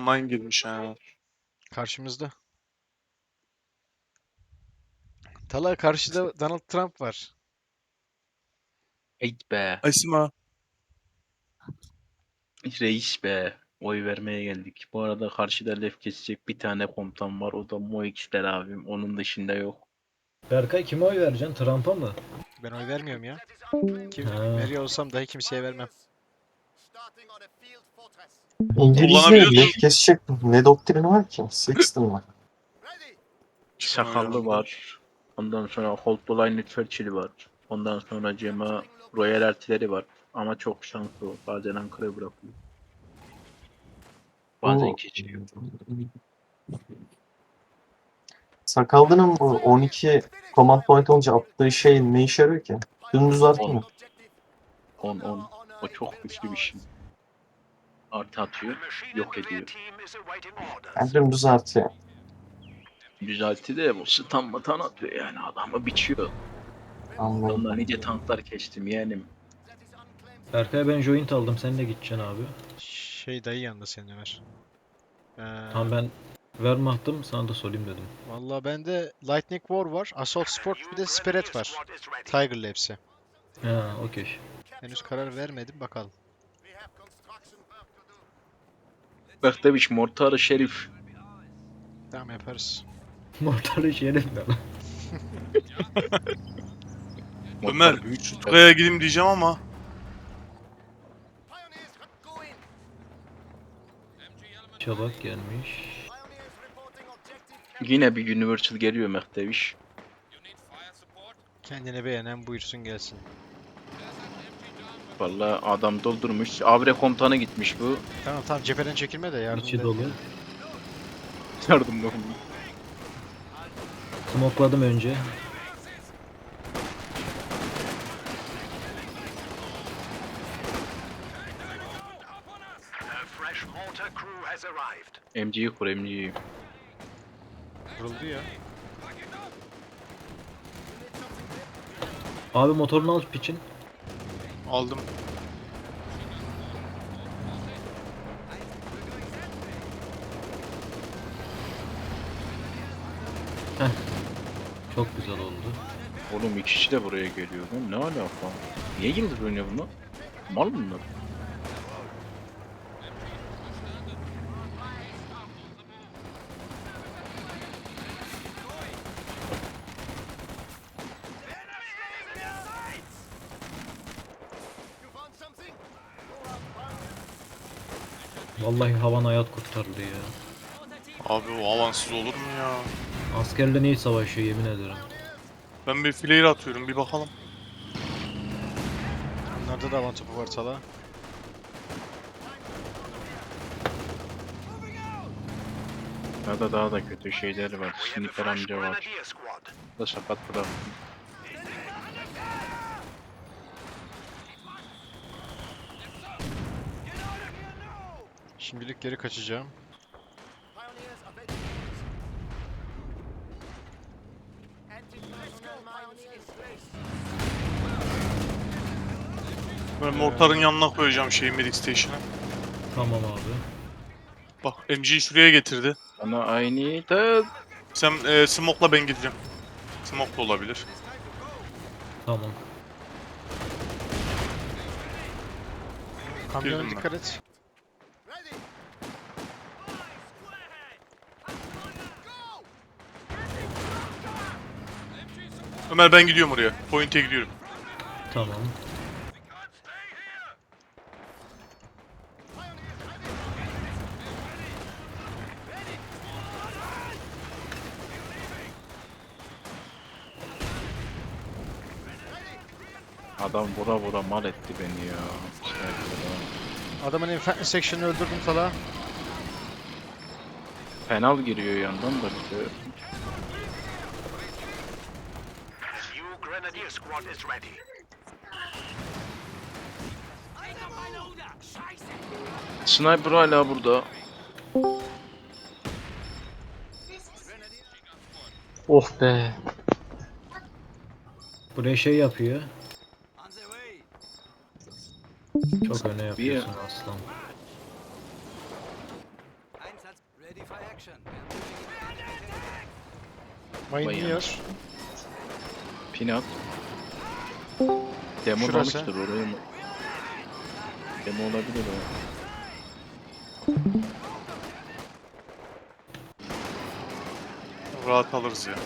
Mine girmiş ha. Karşımızda. Tala karşıda Donald Trump var. Ey be. Asima. Reis be. Oy vermeye geldik. Bu arada karşıda lef kesecek bir tane komutan var. O da Moix'ler abim. Onun dışında yok. Berkay kime oy vereceksin? Trump'a mı? Ben oy vermiyorum ya. Kim Ha. veriyor olsam dahi kimseye vermem. İngilizce Kullanabiliyorsun. lef kesecek ne doktrini var ki? Sexton var. Sakallı var. Ondan sonra Holtline Churchill var. Ondan sonra Cema Royal Artillery var. Ama çok şanslı o. Bazen Ankara'ya bırakıyor. Bazen Bu geçiyor. Sakallı'nın bu 12 command point olunca attığı şey ne işe yarıyor ki? Dümdüz artı mı? 10. O çok güçlü bir şey. Artı atıyor. Yok ediyor. Yani dümdüz artı yani. Düzeltti de bu stun batan atıyor yani. Adamı biçiyor. Anladım. Ondan nice tanklar kestim yeğenim. Berkay ben joint aldım. Sen de gideceksin abi. Şey dayı yanında senin Ömer. Tamam ben Wehrmacht'ım. Sana da sorayım dedim. Vallahi bende Lightning War var, Assault Sport bir de Spirit var. Tiger'lı hepsi. Ha okey. Henüz karar vermedim bakalım. Bak demiş Mortarı Şerif. Tamam yaparız. Mortarı şerif ne lan? Ömer, şu Tugay'a gideyim diyeceğim ama. Çabak gelmiş. Yine bir Universal geliyor Mehdeviş. Kendine beğenen buyursun gelsin. Vallahi adam doldurmuş. Abre komutanı gitmiş bu. Tamam tamam cepheden çekilme de yardım İçi da dolu. Yardım yok. Smokladım önce. MG'yi kur MG'yi. Vuruldu ya. Abi motorunu al piçin. Aldım. Çok güzel oldu. Oğlum iki kişi de buraya geliyor. Lan ne alaka? Niye yıldız oynuyor bunlar? Mal bunlar. Vallahi havan hayat kurtardı ya. Abi o avansız olur mu ya? Askerle neyi savaşıyor yemin ederim. Ben bir flare atıyorum bir bakalım. Onlarda da avan topu var Tala. Ya da daha da kötü şeyleri var. Sniper amca var. Da sakat bıraktım. Şimdilik geri kaçacağım. Ben mortarın yanına koyacağım şeyi Medic Station'a. Tamam abi. Bak MG'yi şuraya getirdi. Bana aynı da Sen smoke'la ben gideceğim. Smoke da olabilir. Tamam. Kamyona Girdim ben. dikkat et. Ömer ben gidiyorum oraya. Point'e gidiyorum. Tamam. adam vura vura mal etti beni ya. Sniper'la. Adamın infantry section'ını öldürdüm Tala. Penal giriyor yandan da bir de. Sniper hala burada. Oh be. Buraya şey yapıyor. Çok öne yapıyorsun aslan. Mayın Vay yiyor. Pinat. Demo Şurası. olmuştur oraya mı? Demo olabilir o. Rahat alırız ya.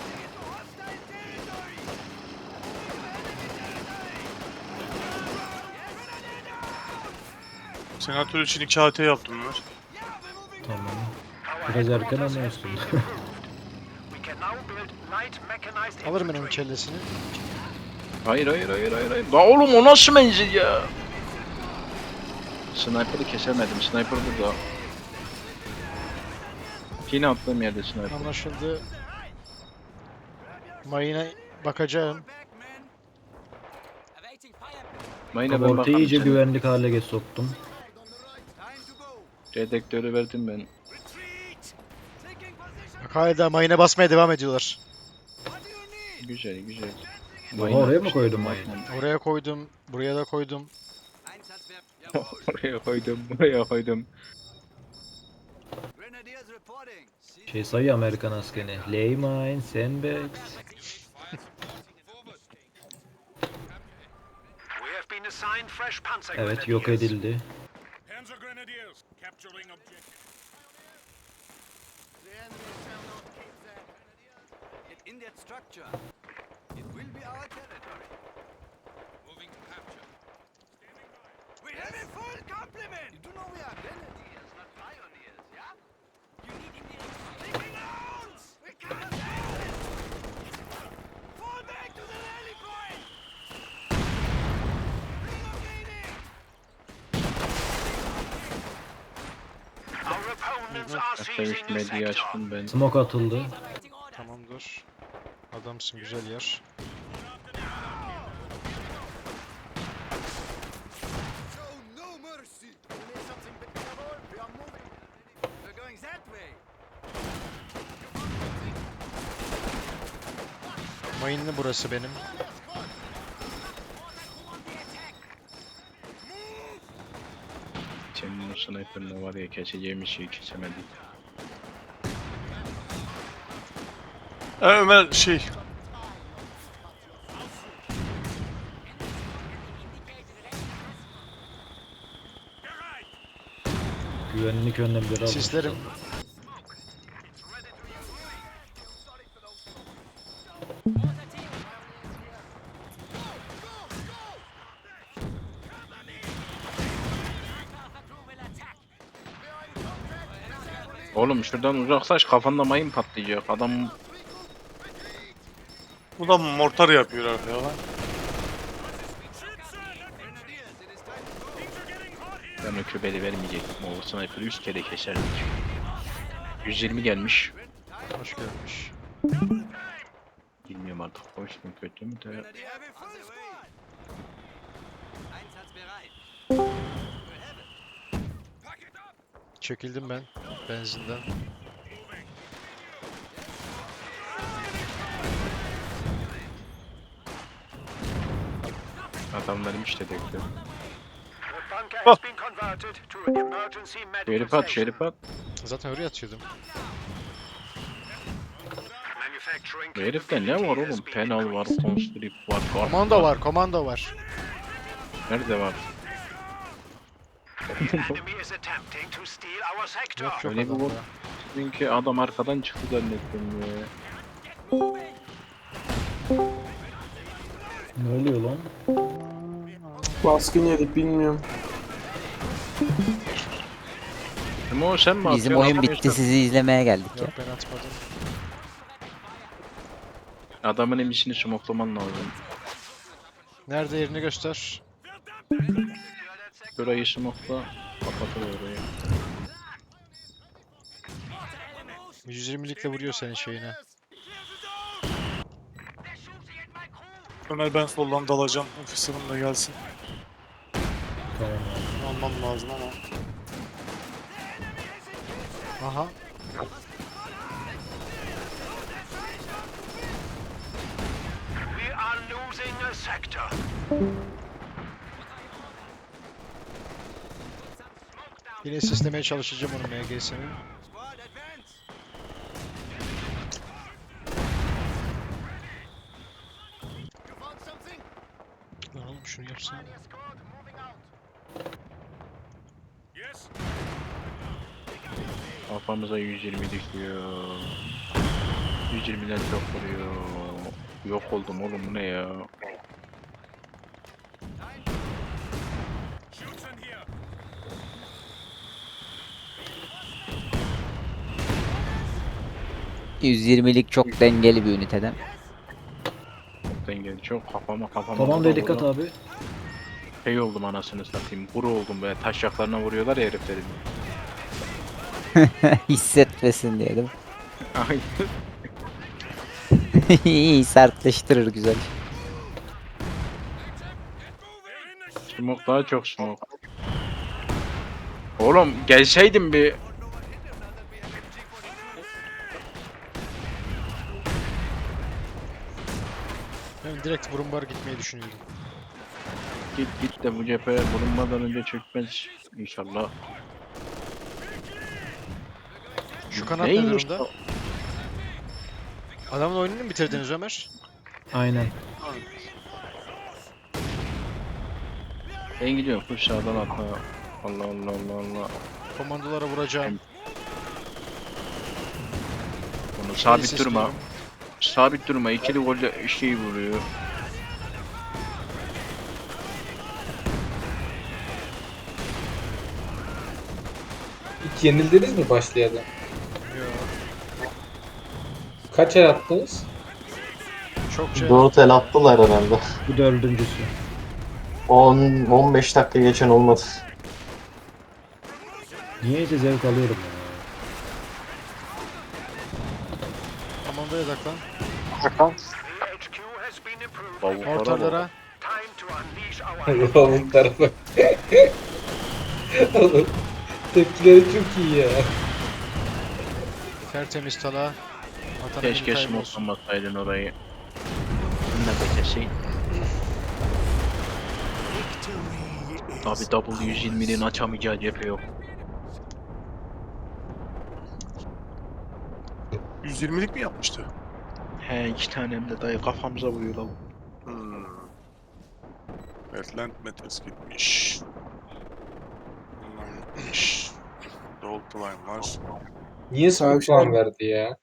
Senatör için 2 AT yaptım Ömer. Tamam. Biraz erken ama olsun. Alırım ben onun kellesini. Hayır. La oğlum o nasıl menzil ya? Sniper'ı kesemedim. Sniper burada. Yine attığım yerde sniper. Anlaşıldı. Mayına bakacağım. Mayına ben Abortu bakarım iyice sana. güvenlik hale soktum. Redektörü verdim ben. Bak hala mayına basmaya devam ediyorlar. Güzel. Oha, oraya mı koydun mayını? Oraya koydum. Buraya da koydum. Buraya koydum. Şey sayıyor Amerikan askeri. Lay mine, sandbags. Evet, yok edildi. Panzer Grenadiers capturing objective. In that structure, it will be our territory. Moving to capture. We have a full complement! You do know we are grenadiers, not pioneers, yeah? You need immediate taking rounds! We cannot handle it! Fall back to the rally point! Relocating! Our opponents are Hatta seizing üst the medyayı sector. açtım ben. Smoke atıldı. Tamamdır. Adamsın, güzel yer. Show no mercy! We need something better. We are moving. We're going that way. Mayınlı burası benim. Senin o sniper'la var ya keseceğim şeyi kesemedim. Ömer şey. Güvenlik önlemleri almış. Sislerim. Oğlum şuradan uzaklaş kafanda mayın patlayacak. Adam Bu da mortar yapıyor abi ya. ben o köbeli vermeyecektim. O sniper'ı 100 kere keserdik. 120 gelmiş. Hoş gelmiş. Bilmiyorum artık hoş mu kötü mü de. We have a full squad! Einsatzbereit. Çekildim ben benzinden. Adamlarım işte bekliyor. The bunker has been converted to emergency medical Şerif at, station. şerif at. Zaten oraya atıyordum. Manufacturing Bu herifte ne var oğlum? Penal var, Constrict var, Guard Komando var, komando var. Nerede var? The enemy is attempting to steal our sector. Yok yok Öyle bir adamda. bot. Çünkü adam arkadan çıktı zannettim ya. Ne oluyor lan? Baskın yedik bilmiyorum. Ama o sen mi Bizim atıyorsun? oyun Adam bitti, işte- sizi izlemeye geldik ya. Yok ben atmadım. Adamın emisini smoklaman lazım. Nerede, yerini göster. Burayı smokla, kapatır orayı. 120'likle vuruyor senin şeyine. Ömer ben soldan dalacağım. Ofisirim de gelsin. Tamam abi. Almam lazım ama. Aha. We are losing a sector. Yine sislemeye çalışacağım onu MGS'nin. Squad advance! Şunu yapsana. Yes. Kafamıza 120 dikiyor. 120'den çok vuruyor. Yok oldum oğlum, bu ne ya? Schützen hier. 120'lik çok dengeli bir üniteden. Dengeli çok kafama Tamam vura da dikkat vura abi. Şey oldum anasını satayım. Kuru oldum böyle, taşaklarına vuruyorlar ya heriflerin. Hissetmesin diye değil mi? Ay, İyi sertleştirir güzel. smoke daha çok smoke. Oğlum gelseydin bir. Ben direkt Brumbar gitmeyi düşünüyordum. Git de bu cephe bulunmadan önce çökmez inşallah. Şu kanat ne Neymiş durumda? o? Adamın oyununu mu bitirdiniz Ömer? Aynen. Ben gidiyorum full sağdan atla. Allah Allah Allah Allah. Komandolara vuracağım. Bunu Şey sabit sesliyorum. durma. Sabit durma. İkili golle şeyi vuruyor. Hiç yenildiniz mi başlayalım? Yo, Kaç el attınız? çok şey. 4 el attılar herhalde. Bu dördüncüsü. 10-15 dakika geçen olmadı. Niyeyse zevk alıyorum ya. Komandoya odaklan. The HQ has been improved. Bavuklara bak. Ortalara. Time to unleash our Oğlum tarafa. Oğlum tepkileri çok iyi ya. Tertemiz tala. Vatan Keşke emini kaybolsun. smoklamasaydın orayı. Ne bekesin. Tabi W120'nin açamayacağı cephe yok. 120'lik mi yapmıştı? He, 2 tane hem de dayı kafamıza vuruyor lan. Hmm. Evet, Land Metals gitmiş. Bunlar gitmiş. Gold Line var. Niye sana puan verdi ya?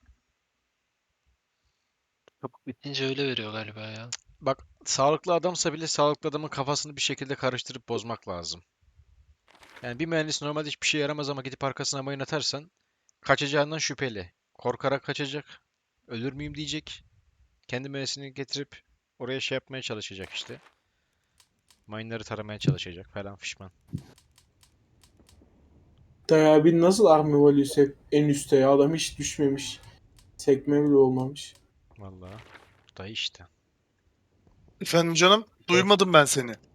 Bitince öyle veriyor galiba ya. Bak sağlıklı adamsa bile sağlıklı adamın kafasını bir şekilde karıştırıp bozmak lazım. Yani bir mühendis normalde hiçbir şey yaramaz ama gidip arkasına mayın atarsan kaçacağından şüpheli. Korkarak kaçacak. Ölür müyüm diyecek. Kendi mühendisini getirip oraya şey yapmaya çalışacak işte. Mine'ları taramaya çalışacak falan fişman. Dayı abi nasıl army value'su hep en üstte ya? Adam hiç düşmemiş. Sekme bile olmamış. Vallahi. Bu da işte. Efendim canım, duymadım ben seni.